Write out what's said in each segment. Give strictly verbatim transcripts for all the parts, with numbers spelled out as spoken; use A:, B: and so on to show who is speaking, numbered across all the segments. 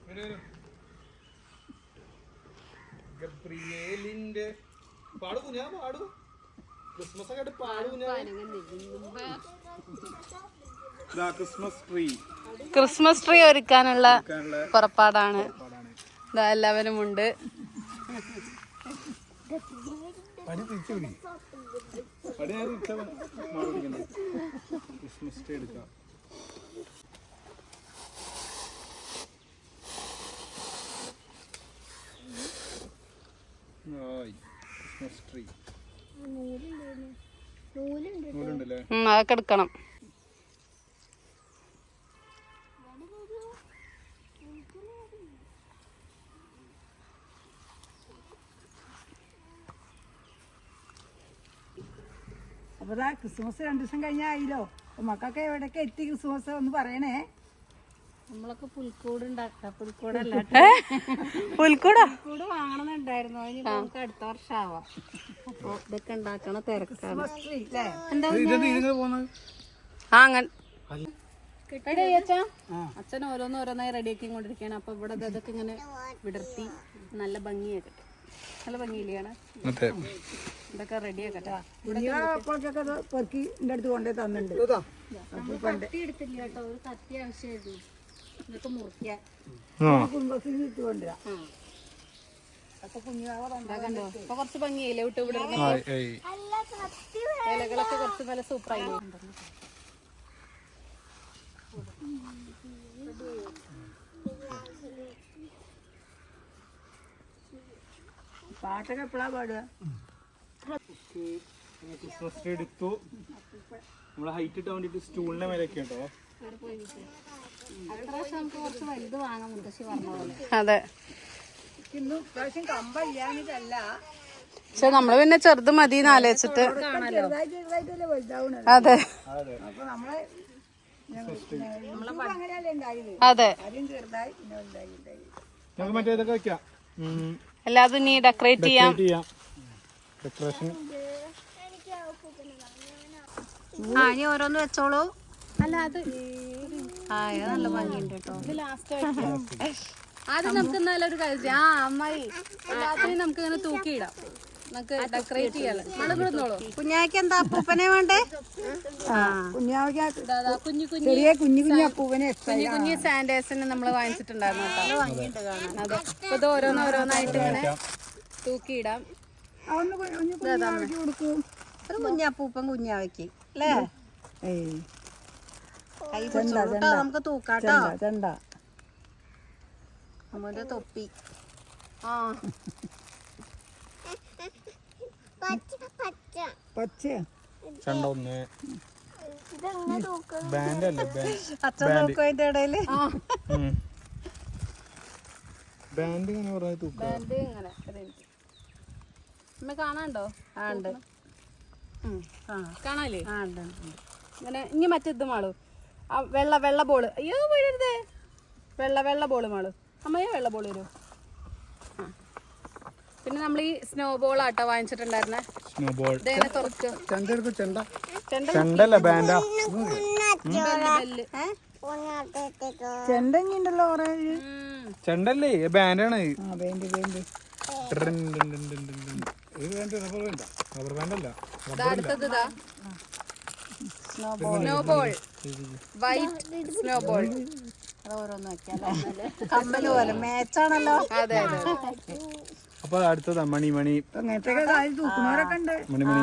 A: ഗബ്രിയേലിന്റെ പാടു കുഞ്ഞാ പാടു ക്രിസ്മസ് ഒക്കെ പാടു കുഞ്ഞാ ക്രിസ്മസ് ട്രീ
B: ക്രിസ്മസ് ട്രീ ഒരുക്കാനുള്ള പുറപ്പാടാണ്. എല്ലാവരും ഉണ്ട്.
A: ക്രിസ്മസ് ട്രീ എടുക്കാം. ക്രിസ്മസ് ട്രീ
B: അതൊക്കെ എടുക്കണം.
C: അപ്പൊ ക്രിസ്മസ് രണ്ടു ദിവസം കഴിഞ്ഞായില്ലോ. അപ്പൊ മക്കൾക്ക് എവിടെയൊക്കെ എത്തി ക്രിസ്മസ് ഒന്ന് പറയണേ.
B: നമ്മളൊക്കെ പുൽക്കൂട് ഉണ്ടാക്കാം. പുൽക്കൂടല്ല പുൽക്കൂടാ പുൽക്കൂട് വാങ്ങണമെന്നുണ്ടായിരുന്നു. അതിന് നമുക്ക് അടുത്ത വർഷം ആവാം. അപ്പൊ ഇതൊക്കെ ഉണ്ടാക്കണ തിരക്കാണ്. ആ അങ്ങനെ അച്ഛൻ ഓരോന്ന് ഓരോന്നായി റെഡിയാക്കി കൊണ്ടിരിക്കുകയാണ്. അപ്പൊ ഇവിടെ ഇതൊക്കെ ഇങ്ങനെ വിടർത്തി നല്ല ഭംഗിയാക്കട്ടെ. നല്ല ഭംഗിയില്ലാണ്. ഇതൊക്കെ റെഡിയാക്കട്ടെ.
C: പെറുക്കി എന്റെ അടുത്ത് കൊണ്ടേ തന്നിട്ടുണ്ട്.
B: കത്തി എടുത്തില്ല കേട്ടോ. ഒരു കത്തി ആവശ്യമായിരുന്നു. ഇതൊക്കെ മുറിക്കാൻ
C: കുടുംബശ്രീ ഇട്ട് കൊണ്ടുവരാം.
B: കണ്ടോ ഇപ്പൊ കുറച്ച് ഭംഗിയായില്ലേ വിട്ട് ഇവിടെ ഇലകളൊക്കെ കുറച്ച് നല്ല സൂപ്പറായി.
C: പാട്ടൊക്കെ എപ്പോഴാ പാടുക?
A: ക്രിസ്മസ് ട്രീ എടുത്തു. നമ്മളെ ഹൈറ്റ് ഇട്ടാൻ വേണ്ടിട്ട് സ്റ്റൂളിന്റെ മേലൊക്കെ ഉണ്ടോ?
B: അതെ
C: ഇപ്രാവശ്യം കമ്പല്ലാഞ്ഞിട്ടല്ല.
B: പക്ഷെ നമ്മള് പിന്നെ ചെറുത് മതിന്ന് ആലോചിച്ചിട്ട്.
C: ചെറുതായിട്ടല്ലേ വലുതാവണത്.
B: അതെ
C: അപ്പൊ നമ്മളെ അങ്ങനെയല്ലേ ഉണ്ടായത്.
B: അതെ
C: ആദ്യം ചെറുതായി പിന്നെ വലുതായി ഉണ്ടായി.
A: നമുക്ക് മറ്റേ ഇതൊക്കെ വെക്കാം.
B: എല്ലാതും ഇനി ഡെക്കറേറ്റ് ചെയ്യാം.
A: ഡെക്കറേഷൻ
B: ആ ഇനി ഓരോന്ന് വെച്ചോളൂ. അല്ല അത് ആ ഇത് നല്ല ഭംഗിയുണ്ട് കേട്ടോ. ഇത് ലാസ്റ്റ് ആദ്യം നമുക്ക് എന്നാലും ഒരു കാര്യം ആ അമ്മായി എല്ലാത്തിനും നമുക്ക് ഇങ്ങനെ തൂക്കിയിടാം. നമുക്ക് ഡെക്കറേറ്റ് ചെയ്യാലോ. നടന്നോളൂ. കുഞ്ഞാക്ക് എന്താ അപ്പൂപ്പനെ വേണ്ടേ? കുഞ്ഞു കുഞ്ഞു
C: കുഞ്ഞു കുഞ്ഞു അപ്പൂപ്പനെ
B: കുഞ്ഞു കുഞ്ഞു സാൻഡേഴ്സിന് നമ്മള് വാങ്ങിച്ചിട്ടുണ്ടായിരുന്നു കേട്ടോ. അതെ അപ്പൊ ഇത് ഓരോന്നോരോന്നായിട്ട് ഇങ്ങനെ തൂക്കിയിടാം. ഒരു കുഞ്ഞപ്പൂപ്പൻ കുഞ്ഞാവയ്ക്ക് അല്ലേ? കൈ പിടിച്ചോളൂട്ടോ. നമുക്ക് തൂക്കാട്ടോ. നമ്മുടെ തൊപ്പി ആ
C: പച്ച
A: ചണ്ട ഒന്ന് ബാൻഡ് അല്ലേ
B: അച്ഛൻ നോക്കും അതിന്റെ ഇടയില്.
A: ബാൻഡ് ഇങ്ങനെ പറഞ്ഞ തൂക്ക
B: ബാൻഡ് ഇങ്ങനെ അമ്മ കാണാണ്ടോ? ആ ഉണ്ട് കാണാല്ലേ? ആ ഉണ്ട് ഇങ്ങനെ. ഇനി മറ്റേത് മാളു ആ വെള്ള വെള്ള ബോള്. അയ്യോ വീഴരുതേ. വെള്ള വെള്ള ബോള് മാളു. അമ്മയോ വെള്ള ബോള് വരൂ. ആ പിന്നെ നമ്മൾ ഈ സ്നോ ബോൾ ആട്ടോ വാങ്ങിച്ചിട്ടുണ്ടായിരുന്നേ.
A: സ്നോ ബോൾ
B: ഇതേനെ തുറച്ചോ.
A: ചെണ്ടല്ല ബാൻഡാ.
C: ചെണ്ടല്ലോ
A: ചെണ്ടല്ലേ ബാൻഡാണ്. റബ്ബർ ബാൻഡല്ല.
B: അടുത്തത് snow ball white snow ball. ഓരോന്ന് വെക്കാം. കമ്മല് പോലെ മേച്ചാണല്ലോ. അതെ അതെ.
A: അപ്പൊ അടുത്തതാ മണി മണി
C: തൂക്കുന്നവരൊക്കെ ഉണ്ട്.
A: മണി മണി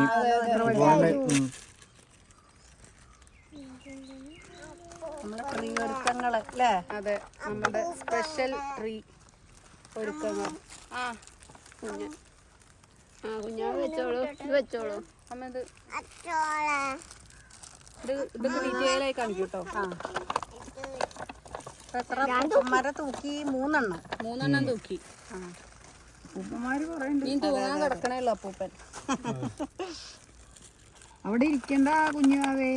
B: നമ്മുടെ ട്രീ ഒരുക്കങ്ങള് അല്ലേ? അതെ നമ്മുടെ സ്പെഷ്യൽ ട്രീ ഒരുക്കങ്ങൾ. ആ കുഞ്ഞ ആ കുഞ്ഞാ വെച്ചോളൂ. ഇത് വെച്ചോളൂ അമ്മ. ഇത് ഇത് ഇതൊക്കെ ഡീറ്റെയിൽ ആയി കാണിക്കും കേട്ടോ. ആ എത്ര പൂപ്പന്മാരെ തൂക്കി? മൂന്നെണ്ണം മൂന്നെണ്ണം തൂക്കി. ആ
C: പൂപ്പന്മാര് പറയുന്നുണ്ട്.
B: നീ തൂങ്ങാൻ കിടക്കണേല്ലോ അപ്പൂപ്പൻ.
C: അവിടെ ഇരിക്കണ്ട കുഞ്ഞാവേ.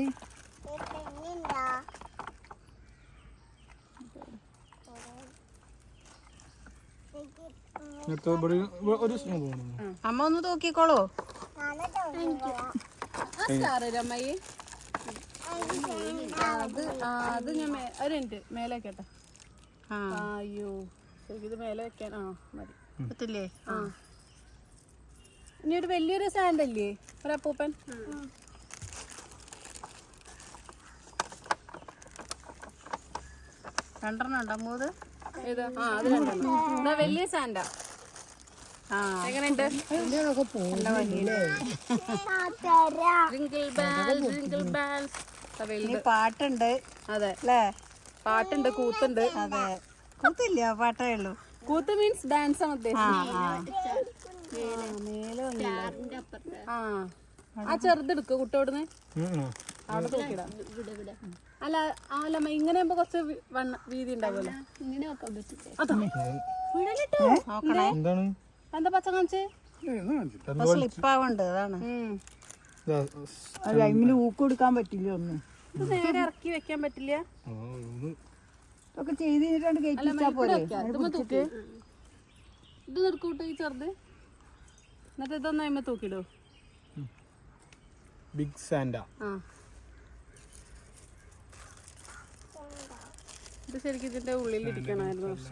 B: അമ്മ ഒന്ന് തൂക്കിക്കോളൂ. അമ്മായി അത് അത് ഞാൻ ഒരു മിനിറ്റ് മേലേക്കട്ടെ. അയ്യോ ഇത് മേലെ വെക്കാൻ ആ മതി
D: പറ്റില്ലേ?
B: ആ ഇനി ഒരു വലിയൊരു സാൻഡ് അല്ലേ ഒരു അപ്പൂപ്പൻ?
D: രണ്ടെണ്ണം ഉണ്ടോ മൂത്?
B: ഏതാ? ആ അത് രണ്ടെണ്ണം. ഇതാ വലിയ സാൻഡാ.
D: ആ
B: എങ്ങനെയുണ്ട്?
D: ഇനി പാട്ടുണ്ട്
B: അതെ
D: അല്ലേ?
B: പാട്ടുണ്ട്, കൂത്തുണ്ട്.
D: അതെ, കൂത്തില്ല, പാട്ടേ ഉള്ളൂ.
B: കൂത്ത് മീൻസ് ഡാൻസ് ആണ്
D: ആ
B: ഉദ്ദേശിച്ചത്.
D: ആ
B: ആ ആ ചെറുതെടുക്കുക കുട്ടോടുന്ന് അവിടെ തൂക്കിടാം. അല്ല അല്ല ഇങ്ങനെ ആകുമ്പോ കുറച്ച് വി- വണ്ണ വീതി ഉണ്ടാവുമല്ലോ.
D: നോക്കണേ,
A: എന്താണ്
B: എന്താ പച്ച കാണിച്ചേ?
D: സ്ലിപ്പാവുണ്ട്, അതാണ്.
B: ഉം.
C: അത് അതിന് ഊക്ക് കൊടുക്കാൻ പറ്റില്ല ഒന്നും.
B: ഇത് നേരെ ഇറക്കി വെക്കാൻ പറ്റില്ല.
C: ഇതൊക്കെ ചെയ്ത് കഴിഞ്ഞിട്ടാണ് കയറ്റി
B: അല്ല
C: വെച്ചാ
B: ഇവിടെ
C: പോലെ.
B: വെക്കാം. ഇതുമ്മെ തൂക്ക്. ഇത് നിർക്കൂട്ടോ ഈ ചെറുത്. എന്നിട്ട് ഇതൊന്നും അതിമ്മ തൂക്കിടോ.
A: ബിഗ് സാൻഡ.
B: ആ ഇത് ശരിക്കും ഇതിന്റെ ഉള്ളിൽ ഇരിക്കണമായിരുന്നു. പക്ഷെ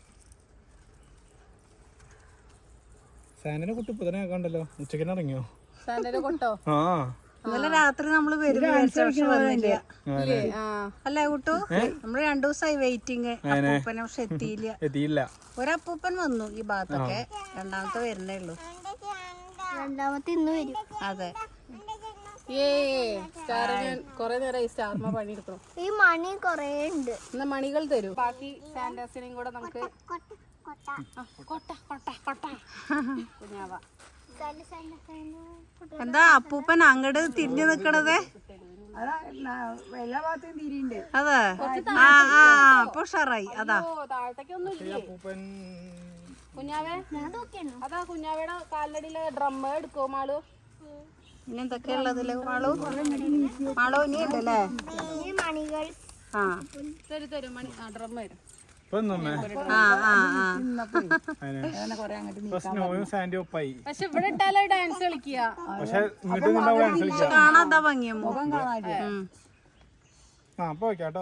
A: സാൻഡിനെ കുട്ടി ഇപ്പൊ തന്നെ കണ്ടല്ലോ, ഉച്ചക്കിന് ഇറങ്ങിയോ?
B: സാൻഡയുടെ കൊട്ടോ?
A: ആ
D: ഇന്നലെ രാത്രി നമ്മള് വരും വന്നില്ല
B: ഇല്ലേ? ആ
D: അല്ലേ കുട്ടു? നമ്മള് രണ്ടു ദിവസമായി വെയിറ്റിങ് അപ്പൂപ്പനെ, പക്ഷെ എത്തിയില്ല.
A: എത്തിയില്ല.
D: ഒരപ്പൂപ്പൻ വന്നു ഈ ഭാഗത്തൊക്കെ, രണ്ടാമത്തെ വരുന്നേ ഉള്ളൂ.
E: രണ്ടാമത്തെ ഇന്ന് വരും.
D: അതെ,
B: ഏ സ്റ്റാർ ഞാൻ കൊറേ നേരം ഈ സ്റ്റാർമ പണിയെടുക്കണം.
E: ഈ മണി കൊറേ ഉണ്ട്.
B: എന്നാ മണികൾ തരൂ. ബാക്കി സാൻഡാസിനെയും കൂടെ നമുക്ക്
E: കൊട്ട കൊട്ട
B: ആ, കൊട്ട കൊട്ട കൊട്ട കുഞ്ഞാവ.
E: സൈഡ് സൈഡ് സൈഡ്
D: എന്താ അപ്പൂപ്പൻ അങ്ങട് തിരിഞ്ഞു നിക്കണത്?
C: അതാ എല്ലാ ഭാഗത്തും തിരിയുണ്ട്.
D: അതെ, ആ ആ അപ്പൊ ഉഷാറായി. അതാ
B: ഓ താഴത്തേക്കൊന്നും ഇല്ലേ
A: അപ്പൂപ്പൻ
B: കുഞ്ഞാവേ?
E: ഞാൻ നോക്കിയാണോ?
B: അതാ കുഞ്ഞാവയുടെ കാലിനടിയിലെ ഡ്രം എടുക്കോ മാളു?
D: ഇനി എന്തൊക്കെയുള്ളതില് മാളു? മാളു ഇനി ഉണ്ടല്ലേ?
E: ഈ മണികൾ
D: ആ
B: തരും തരും മണി ആ ഡ്രം വരും.
A: ഇപ്പൊ നമ്മ
D: ആ ആ ആ
C: അങ്ങനെ കൊറേ അങ്ങോട്ട് നീ-
A: സ്നോയും സാൻഡും ഒപ്പായി.
B: പക്ഷെ ഇവിടെ ഇട്ടാലോ ഡാൻസ് കളിക്കുക.
A: പക്ഷെ ഇങ്ങോട്ട് നിന്നാ ഡാൻസ് കളിക്കാം.
D: കാണാതാ ഭംഗിയ
C: മുഖം കാണാനില്ല.
A: ആ അപ്പൊ വെക്കാട്ടോ.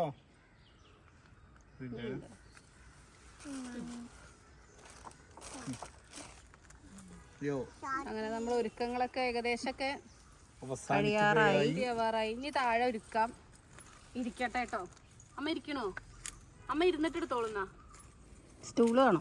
A: യോ
B: അങ്ങനെ നമ്മൾ ഒരുക്കങ്ങളൊക്കെ ഏകദേശമൊക്കെ
D: കഴിയാറായി.
B: ആവാറായി. ഇനി താഴെ ഒരുക്കാം. ഇരിക്കട്ടെ കേട്ടോ. അമ്മ ഇരിക്കണോ? അമ്മ ഇരുന്നിട്ട് എടുത്തോളുന്ന.
D: സ്റ്റൂള് വേണം.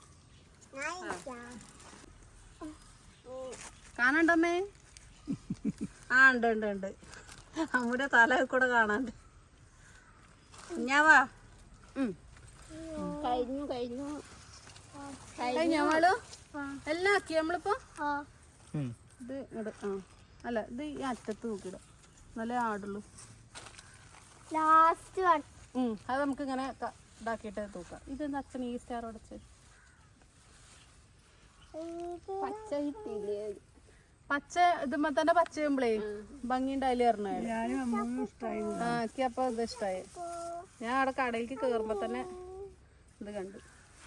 B: കാണണ്ടമ്മേ?
D: ആ ഉണ്ട് ഉണ്ട് ഉണ്ട്, അമ്മൂടെ തല കൂടെ കാണാണ്ട്. കുഞ്ഞാവാ
E: കഴിഞ്ഞു കഴിഞ്ഞു.
B: കഴിഞ്ഞോ മാളു? എല്ലാം ആക്കി നമ്മളിപ്പോ
E: ആ
B: ഇത് ഇങ്ങട് ആ അല്ല ഇത് ഈ അറ്റത്ത് നോക്കിയിടും, നല്ല ആടുള്ളൂ.
E: Last one.
B: ഉം അത് നമുക്ക് ഇങ്ങനെ ക- ഇതാക്കിയിട്ട് തൂക്കാം. ഇതെന്താ അച്ഛൻ ഈ സ്റ്റാർ ഉടച്ച്
E: പച്ച കിട്ടിയില്ലേ?
B: പച്ച ഇതുമ്പോ തന്നെ പച്ചയുമ്പളേ ഭംഗി ഉണ്ടായില്ലേ പറഞ്ഞ
C: ഞാനും അമ്മയും ഇഷ്ടമായി.
B: ആ എനിക്ക് അപ്പൊ ഇത് ഇഷ്ടായി. ഞാൻ അവിടെ കടയിലേക്ക് കേറുമ്പോ തന്നെ ഇത് കണ്ടു.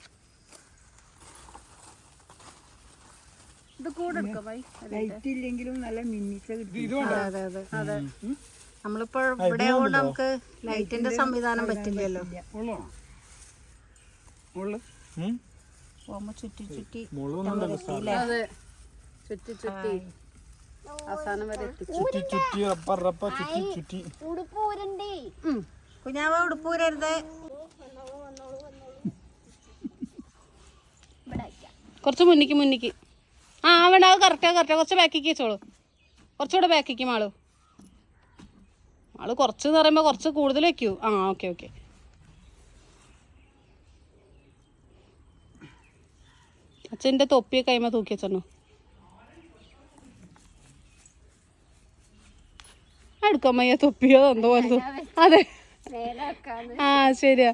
B: ഇത് കൂടെ എടുക്കാം ബൈ.
C: ലൈറ്റ് ഇല്ലെങ്കിലും നല്ല മിന്നിച്ച കിട്ടി.
B: അതെ അതെ അതെ.
D: നമ്മളിപ്പോ ഇവിടെ ആവുകൊണ്ട് നമുക്ക് ലൈറ്റിന്റെ സംവിധാനം പറ്റില്ലല്ലോ. പോകുമ്പോ ചുറ്റി ചുറ്റി
B: അതെ ചുറ്റി ചുറ്റി അവസാനം വരെ എത്തിച്ചു.
A: ചുറ്റി ചുറ്റി റപ്പ റപ്പ ചുറ്റി ചുറ്റി.
E: ഉടുപ്പ് ഊരണ്ടേ.
D: കുഞ്ഞാവ ഉടുപ്പൂരരുത്.
B: കുറച്ച് മുന്നിക്ക് മുന്നിക്ക്. ആ വേണ്ട അത് കറക്റ്റാ കറക്റ്റാ. കുറച്ച് ബാക്കിക്ക് വെച്ചോളൂ. കുറച്ചുകൂടെ ബാക്കിക്ക് മാളു. മാളു കുറച്ച് എന്ന് പറയുമ്പോൾ കുറച്ച് കൂടുതൽ വെക്കൂ. ആ ഓക്കെ ഓക്കെ. അച്ഛൻ്റെ തൊപ്പിയെ കൈമ തൂക്കി വെച്ചോ. എടുക്കാൻ മയ്യ തൊപ്പിയോ എന്തോ പോലെ. അതെ ആ ശരിയാ.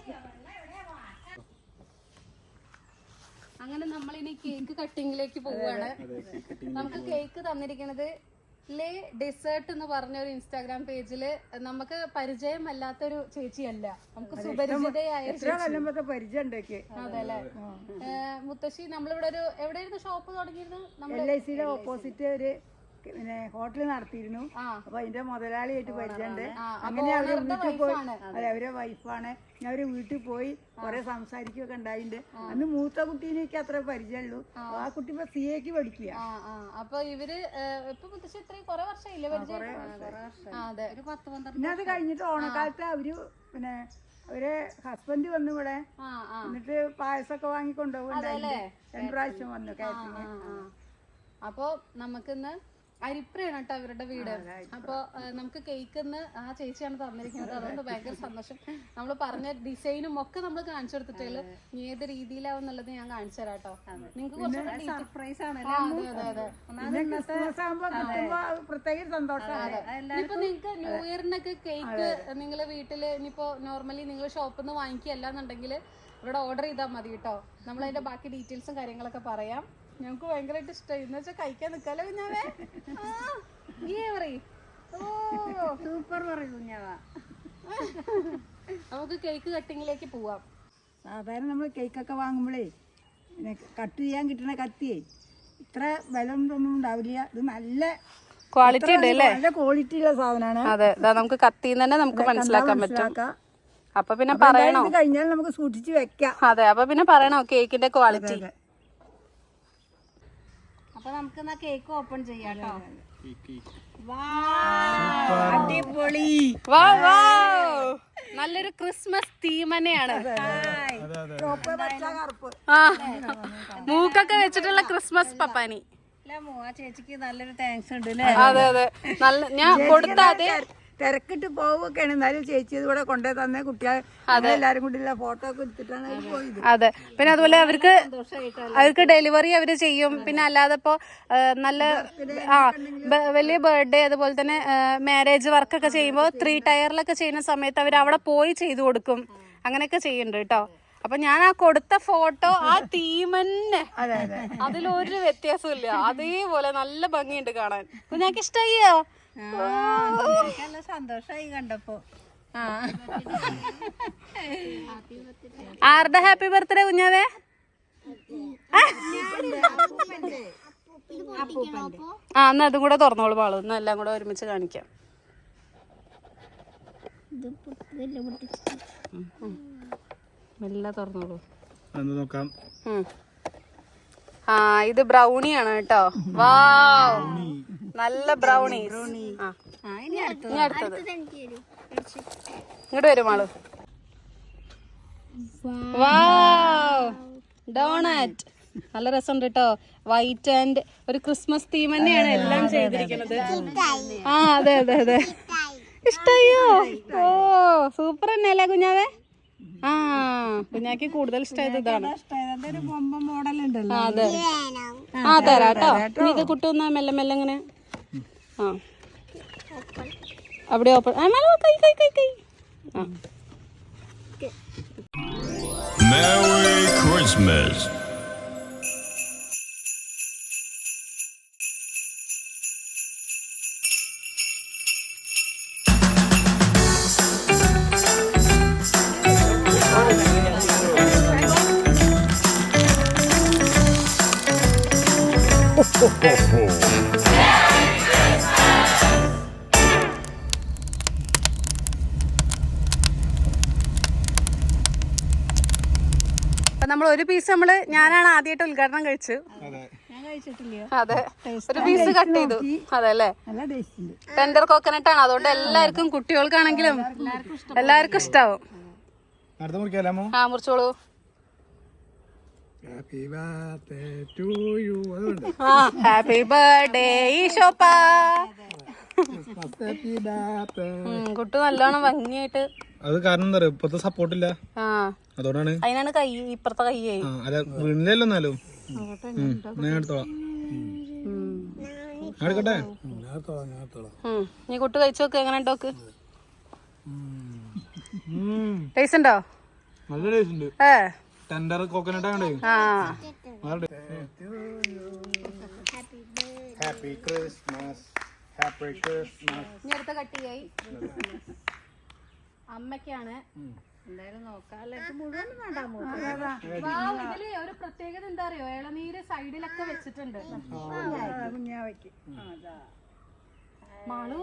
B: അങ്ങനെ നമ്മളിനി കേക്ക് കട്ടിങ്ങിലേക്ക് പോവുകയാണ്. നമുക്ക് കേക്ക് തന്നിരിക്കുന്നത് ലേ ഡെസേർട്ട് എന്ന് പറഞ്ഞ ഒരു ഇൻസ്റ്റാഗ്രാം പേജില് നമുക്ക് പരിചയമല്ലാത്തൊരു ചേച്ചിയല്ല, നമുക്ക് സുപരിചിതയായ
C: കൊല്ലമ്പൊക്കെ പരിചയം ഉണ്ടാക്കി.
B: അതെ അല്ലെ മുത്തശ്ശി. നമ്മളിവിടെ ഒരു എവിടെയായിരുന്നു ഷോപ്പ് തുടങ്ങിയിരുന്നത്?
C: എൽ ഐ സിയുടെ ഓപ്പോസിറ്റ് ഒരു പിന്നെ ഹോട്ടൽ നടത്തിയിരുന്നു. അപ്പൊ അതിന്റെ മുതലാളിയായിട്ട് പരിചയമുണ്ട്.
B: ആ,
C: അങ്ങനെ അവര്
B: owner ന്റെ
C: വീട്ടിൽ പോയി,
B: wife ആണ്.
C: അതെ അവരെ വൈഫാണ്. ഞാൻ അവര് വീട്ടിൽ പോയി കുറെ സംസാരിക്കുകയൊക്കെ ഉണ്ടായിട്ടുണ്ട്. അന്ന് മൂത്ത കുട്ടീനെ എനിക്ക് അത്ര പരിചയമുള്ളൂ. ആ കുട്ടി ഇപ്പൊ സി എക്ക് പഠിക്കുക.
B: ആ ആ അപ്പൊ ഇവര് ഏഹ്, ഇപ്പൊ മുത്തശ്ശി ഇത്രയും കൊറേ വർഷമില്ലേ പരിചയം? ആ, അതെ.
D: ഒരു പത്ത് പന്ത്രണ്ട്
C: പിന്നെ അത് കഴിഞ്ഞിട്ട് ഓണക്കാലത്ത് അവര് പിന്നെ അവരെ ഹസ്ബൻഡ് വന്നു ഇവിടെ.
B: ആ ആ
C: എന്നിട്ട് പായസമൊക്കെ വാങ്ങി കൊണ്ടുപോകുന്നുണ്ടായിട്ടുണ്ട്. രണ്ടു പ്രാവശ്യം വന്നു കാറ്ററിംഗ്.
B: ആ, ആ. അപ്പൊ നമുക്കിന്ന് അരിപ്രയാണ് കേട്ടോ അവരുടെ വീട്. അപ്പൊ ഏഹ്, നമുക്ക് കേക്ക് ഇന്ന് ആ ചേച്ചിയാണ് തന്നിരിക്കുന്നത്. അതുകൊണ്ട് ഭയങ്കര സന്തോഷം. നമ്മൾ പറഞ്ഞ ഡിസൈനും ഒക്കെ നമ്മൾ കാണിച്ചു കൊടുത്തിട്ടുള്ളൂ. ഇനി ഏത് രീതിയിലാവും എന്നുള്ളത് ഞാൻ കാണിച്ചു തരാം കേട്ടോ. നിങ്ങൾക്ക് കുറച്ചുകൂടെ
D: സർപ്രൈസ് ആണ്.
B: ആ, അതെ അതെ അതെ.
C: പിന്നെ ക്രിസ്മസ് ആകുമ്പോ കിട്ടുമ്പോ പ്രത്യേക സന്തോഷമാണ്.
B: ഇനിയിപ്പോ നിങ്ങക്ക് ന്യൂ ഇയറിനൊക്കെ കേക്ക് നിങ്ങള് വീട്ടില് ഇനിയിപ്പോ നോർമലി നിങ്ങൾ ഷോപ്പിൽ നിന്ന് വാങ്ങിക്കല്ല എന്നുണ്ടെങ്കിൽ ഇവിടെ ഓർഡർ ചെയ്താൽ മതി കേട്ടോ. നമ്മൾ അതിന്റെ ബാക്കി ഡീറ്റെയിൽസും കാര്യങ്ങളൊക്കെ പറയാം. ഞങ്ങക്ക് ഭയങ്കരമായിട്ട് ഇഷ്ടമായി. എന്ന് വെച്ചാൽ കഴിക്കാൻ നിക്കാലോ കുഞ്ഞാവേ.
D: സൂപ്പർ പറയും കുഞ്ഞാവാ.
B: നമുക്ക് കേക്ക് കട്ടിങ്ങിലേക്ക് പോവാം.
C: സാധാരണ നമ്മൾ കേക്കൊക്കെ വാങ്ങുമ്പോഴേ പിന്നെ കട്ട് ചെയ്യാൻ കിട്ടുന്ന കത്തിയേ ഇത്ര ബലം ഒന്നും ഉണ്ടാവില്ല. ഇത് നല്ല
B: ക്വാളിറ്റി ഉണ്ട് അല്ലേ?
C: നല്ല ക്വാളിറ്റി ഉള്ള സാധനമാണ്.
B: അതെ, നമുക്ക് കത്തിന്ന് തന്നെ നമുക്ക് മനസ്സിലാക്കാൻ പറ്റും. അപ്പൊ പിന്നെ
C: അപ്പൊ
B: പറയണോ?
C: ഇത് കഴിഞ്ഞാൽ നമുക്ക് സൂക്ഷിച്ച് വെക്കാം.
B: അതെ, അപ്പൊ പിന്നെ പറയണോ കേക്കിന്റെ ക്വാളിറ്റി?
D: അപ്പൊ നമുക്ക് എന്നാ കേക്ക് ഓപ്പൺ ചെയ്യാം കേട്ടോ.
C: അടിപൊളി.
B: വാ വാ, നല്ലൊരു ക്രിസ്മസ് തീം തന്നെയാണ്.
C: ചുവപ്പ്, പച്ച, കറുപ്പ്.
B: ആ, മൂക്കൊക്കെ വെച്ചിട്ടുള്ള ക്രിസ്മസ് പപ്പാനി.
D: അല്ല മോ, ആ ചേച്ചിക്ക് നല്ലൊരു താങ്ക്സ് ഉണ്ട് അല്ലേ?
B: അതെ അതെ, നല്ല ഞാൻ കൊടുത്ത അതേ
C: തിരക്കിട്ട് പോവുകയൊക്കെയാണ്. എന്നാലും ചേച്ചി ഇവിടെ കൊണ്ടേ തന്നെ കുട്ടികൾ എല്ലാരും കൂടി ഫോട്ടോ ഒക്കെ എടുത്തിട്ടാണ് അവര് പോയത്.
B: അതെ, പിന്നെ അതുപോലെ അവർക്ക് അവർക്ക് ഡെലിവറി അവര് ചെയ്യും. പിന്നെ അല്ലാതെ ഇപ്പോ നല്ല ആ ബ- വലിയ ബർത്ത്ഡേ അതുപോലെ തന്നെ മാരേജ് വർക്കൊക്കെ ചെയ്യുമ്പോൾ ത്രീ ടയറിലൊക്കെ ചെയ്യുന്ന സമയത്ത് അവർ അവിടെ പോയി ചെയ്തു കൊടുക്കും. അങ്ങനെയൊക്കെ ചെയ്യുന്നുണ്ട് കേട്ടോ. അപ്പൊ ഞാൻ ആ കൊടുത്ത ഫോട്ടോ ആ തീം തന്നെ, അതിലൊരു വ്യത്യാസവും ഇല്ല. അതേപോലെ നല്ല ഭംഗിയുണ്ട് കാണാൻ. കുഞ്ഞാക്ക് ഇഷ്ടായിയോ?
D: നല്ല സന്തോഷമായി കണ്ടപ്പോ.
B: ആരുടെ ഹാപ്പി ബർത്ത്ഡേ കുഞ്ഞാവേ? ആ, എന്നാ അതും കൂടെ തുറന്നോളൂ പാളു. എന്നാ എല്ലാം കൂടെ ഒരുമിച്ച് കാണിക്കാം. മെല്ലെ തുറന്നോളൂ.
A: നോക്കാം.
B: ആ, ഇത് ബ്രൗണിയാണ് കേട്ടോ. വാവ്, നല്ല ബ്രൗണി. ഇനി അടുത്തത് ഇങ്ങോട്ട് വരും ആള്. Wow, donut. നല്ല രസമുണ്ട് കേട്ടോ. വൈറ്റ് ആൻഡ് ഒരു ക്രിസ്മസ് തീം തന്നെയാണ് എല്ലാം ചെയ്തിരിക്കുന്നത്. ആ, അതെ അതെ അതെ. ഇഷ്ടായോ? ഓ, സൂപ്പർ തന്നെ അല്ലേ കുഞ്ഞാവേ? ആ, കുഞ്ഞാക്ക് കൂടുതൽ ഇഷ്ടമായത് ഇതാണ്.
C: ഒരു ബൊമ്മ മോഡൽ ഉണ്ടല്ലോ.
B: ആ, അതെ. ആ, തരാട്ടോ. ഇനി ഇത് കുട്ടുന്ന മെല്ലെ മെല്ലെ ഇങ്ങനെ. ആ, അവിടെ ഓപ്പൺ. ആ, മേലെ കൈ കൈ കൈ കൈ. ആ,
F: Merry Christmas. Ho, ho, ho.
B: അപ്പൊ നമ്മൾ ഒരു പീസ് നമ്മള് ഞാനാണ് ആദ്യമായിട്ട് ഉദ്ഘാടനം കഴിച്ചു.
D: ഞാൻ കഴിച്ചിട്ടില്ല.
B: അതെ, ഒരു പീസ് കട്ട് ചെയ്തു. അതെ അല്ലേ?
C: നല്ല ടേസ്റ്റ് ഉണ്ട്.
B: ടെൻഡർ കോക്കനട്ട് ആണ്. അതുകൊണ്ട് എല്ലാവർക്കും കുട്ടികൾക്കാണെങ്കിലും എല്ലാവർക്കും ഇഷ്ടാവും.
A: അടുത്ത മുറിക്കാമോ?
B: ആ, മുറിച്ചോളൂ.
A: Happy birthday to you. അതുകൊണ്ട്
B: ആ, ഹാപ്പി ബർത്ത്ഡേ ഈശോപ്പ.
A: Happy birthday.
B: കുട്ടു നല്ലോണം ഭംഗിയായിട്ട്.
A: അത് കാരണം എന്താ പറയുക, ഇപ്പത്തെ സപ്പോർട്ടില്ല,
B: ആ,
A: അതുകൊണ്ടാണ്.
B: അതിനാണ് കൈ ഇപ്പുറത്തെ കൈയേ.
A: ആ, അല്ല വീണില്ലല്ലോ. എന്നാലും ഞാൻ എടുത്തോളാം. ഞാൻ എടുക്കട്ടെ?
B: നീ കുട്ടു കഴിച്ചു നോക്ക്. എങ്ങനെ ഉണ്ടോക്ക്? ടേസ്റ്റ് ഉണ്ടോ?
A: നല്ല ടേസ്റ്റ് ഉണ്ട്.
B: ഏ,
A: ടെൻഡർ കോക്കനട്ട് ആണേ.
B: ആ,
A: ഹാപ്പി ക്രിസ്മസ്, ഹാപ്പി ക്രിസ്മസ്.
B: ഇനി അടുത്ത കട്ടിയായി അമ്മയ്ക്കാണ്.
D: എന്തായാലും നോക്കാം. അല്ല ഇത് മുഴുവൻ വേണ്ടാമോ?
B: വാവ്, ഇതില് ഒരു പ്രത്യേകത എന്താ അറിയോ, ഇളനീര് സൈഡിലൊക്കെ വെച്ചിട്ടുണ്ട്.
C: കുഞ്ഞാവയ്ക്ക് അതാ
B: മാളു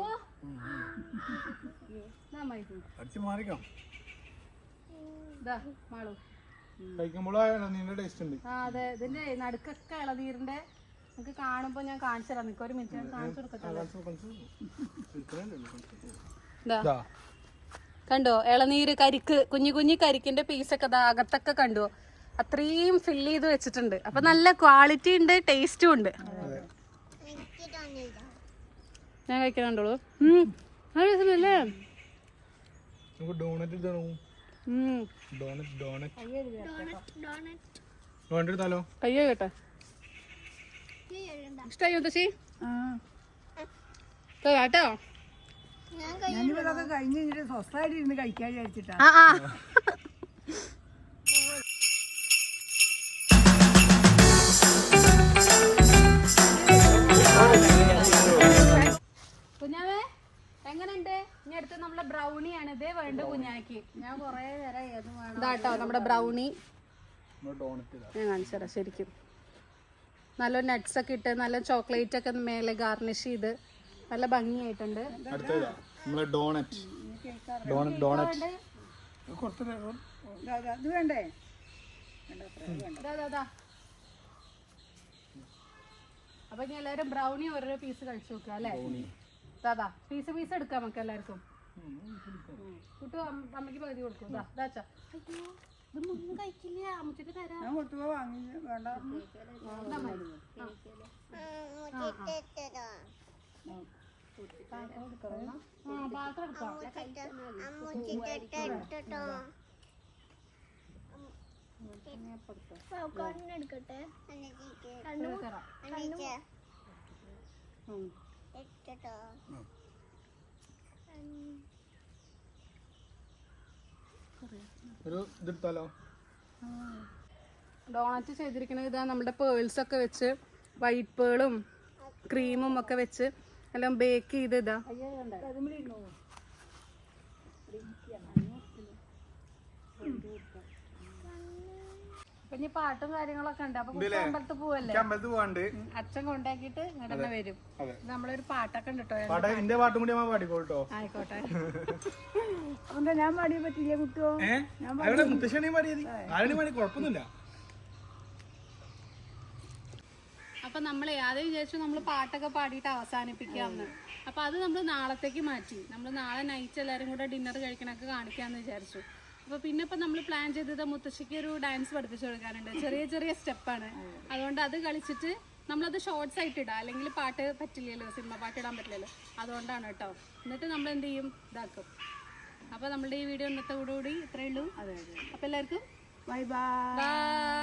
A: അടിച്ച് മാറിക്കാം.
B: ഇതാ മാളു.
A: കഴിക്കുമ്പോഴാ നിന്റെ ടേസ്റ്റ് ഉണ്ട്.
B: ആ അതെ, ഇതിന്റെ നടുക്കൊക്കെ ഇളനീരിന്റെ നമുക്ക് കാണുമ്പോ ഞാൻ കാണിച്ചു തരാം. നിനക്ക് ഒരു മിനിറ്റ് ഞാൻ കാണിച്ചു കൊടുക്കട്ടെ. ഇതാ കണ്ടോ ഇളനീര്, കരിക്ക്, കുഞ്ഞു കുഞ്ഞു കരിക്കിന്റെ പീസൊക്കെ ഇതാ അകത്തൊക്കെ കണ്ടോ, അത്രയും ഫില്ല് ചെയ്ത് വെച്ചിട്ടുണ്ട്. അപ്പൊ നല്ല ക്വാളിറ്റി ഉണ്ട്, ടേസ്റ്റും ഉണ്ട്. ഞാൻ കഴിക്കണുണ്ടോളൂ. അല്ലേ
A: നമുക്ക് ഡോണറ്റ് എടുത്താലോ? ഡോണറ്റ് ഡോണറ്റ് ഡോണറ്റ് എടുത്താലോ?
B: കയ്യോ കേട്ടെ. ഇഷ്ടായി മുത്തശ്ശി? കേട്ടോ
C: ഞാനിപ്പോ ഇതൊക്കെ കഴിഞ്ഞ് കഴിഞ്ഞിട്ട് സ്വസ്ഥമായിട്ട് ഇരുന്ന് കഴിക്കാൻ വിചാരിച്ചിട്ടാ.
B: ആ ആ കുഞ്ഞാവേ എങ്ങനെയുണ്ട്? ഇനി അടുത്ത് നമ്മളെ ബ്രൗണിയാണ്. ഇതേ വേണ്ട കുഞ്ഞാക്ക്.
D: ഞാൻ കൊറേ നേരം ഏത് വേണം.
B: ഇതാട്ടോ നമ്മുടെ ബ്രൗണി.
A: ഡോണറ്റ്
B: ഞാൻ കാണിച്ചു തരാം. ശരിക്കും നല്ല നട്ട്സ് ഒക്കെ ഇട്ട് നല്ല ചോക്ലേറ്റ് ഒക്കെ മേലെ ഗാർണിഷ് ചെയ്ത് നല്ല ഭംഗിയായിട്ടുണ്ട്.
A: അടുത്തതാ നമ്മളെ ഡോണറ്റ് ഡോണറ്റ് ഡോണറ്റ്
C: അത് വേണ്ടേ?
B: അപ്പൊ ഇനി എല്ലാരും ബ്രൗണി ഓരോ പീസ് കഴിച്ചു നോക്കുക അല്ലേ? ദാദാ പീസ് പീസ് എടുക്കാം നമുക്ക് എല്ലാവർക്കും. കുട്ടു അമ്മയ്ക്ക് പകുതി കൊടുക്കും. ഇതാച്ചാ ഇതൊന്നും കഴിക്കില്ല, അമ്മച്ചിട്ട് തരാം.
C: ഞാൻ കൊടുത്തപ്പോ വാങ്ങി വേണ്ട.
B: പാത്രം എടുക്കാം.
E: എടുക്കട്ടെ
A: ഒരു ഇതെടുത്താലോ?
B: ഡോണറ്റ് ചെയ്തിരിക്കുന്നത് ഇതാ നമ്മുടെ പേൾസ് ഒക്കെ വെച്ച്, വൈറ്റ് പേളും ക്രീമും ഒക്കെ വെച്ച് എല്ലാം ബേക്ക് ചെയ്ത് ഇതാ. അപ്പൊ ഇനി പാട്ടും കാര്യങ്ങളൊക്കെ ഉണ്ട്. അപ്പൊ കുട്ടി അമ്പലത്തിൽ പോവല്ലേ?
A: അമ്പലത്തിൽ പോവാണ്ട്
B: അച്ഛൻ കൊണ്ടാക്കിയിട്ട് ഇങ്ങോട്ട് തന്നെ വരും. നമ്മളൊരു പാട്ടൊക്കെ ഉണ്ട് കേട്ടോ.
A: പാട്ട് എന്റെ പാട്ടും കൂടി അമ്മ പാടിക്കോട്ടോ.
B: ആയിക്കോട്ടെ.
C: എന്താ ഞാൻ പാടിയ പറ്റില്ല കുട്ടോ?
A: ഏഹ് മുത്തശ്ശിയാണ് പാടിയത്. ആരുടെ പാടി കുഴപ്പമൊന്നുമില്ല.
B: അപ്പൊ നമ്മളെ അത് വിചാരിച്ചു നമ്മൾ പാട്ടൊക്കെ പാടിയിട്ട് അവസാനിപ്പിക്കാമെന്ന്. അപ്പൊ അത് നമ്മൾ നാളത്തേക്ക് മാറ്റി. നമ്മൾ നാളെ നൈറ്റ് എല്ലാവരും കൂടെ ഡിന്നർ കഴിക്കണൊക്കെ കാണിക്കാമെന്ന് വിചാരിച്ചു. അപ്പൊ പിന്നെ ഇപ്പൊ നമ്മൾ പ്ലാൻ ചെയ്തത് മുത്തശ്ശിക്ക് ഒരു ഡാൻസ് പഠിപ്പിച്ചു കൊടുക്കാനുണ്ട്. ചെറിയ ചെറിയ സ്റ്റെപ്പാണ്. അതുകൊണ്ട് അത് കളിച്ചിട്ട് നമ്മളത് ഷോർട്സ് ആയിട്ട് ഇടാം. അല്ലെങ്കിൽ പാട്ട് പറ്റില്ലല്ലോ, സിനിമ പാട്ട് ഇടാൻ പറ്റില്ലല്ലോ. അതുകൊണ്ടാണ് കേട്ടോ. എന്നിട്ട് നമ്മൾ എന്ത് ചെയ്യും, ഇതാക്കും. അപ്പൊ നമ്മളുടെ ഈ വീഡിയോ ഇന്നത്തെ കൂടി ഇത്രയേ ഉള്ളൂ. അപ്പൊ എല്ലാവർക്കും
C: ബൈ ബൈ.
B: ബൈ.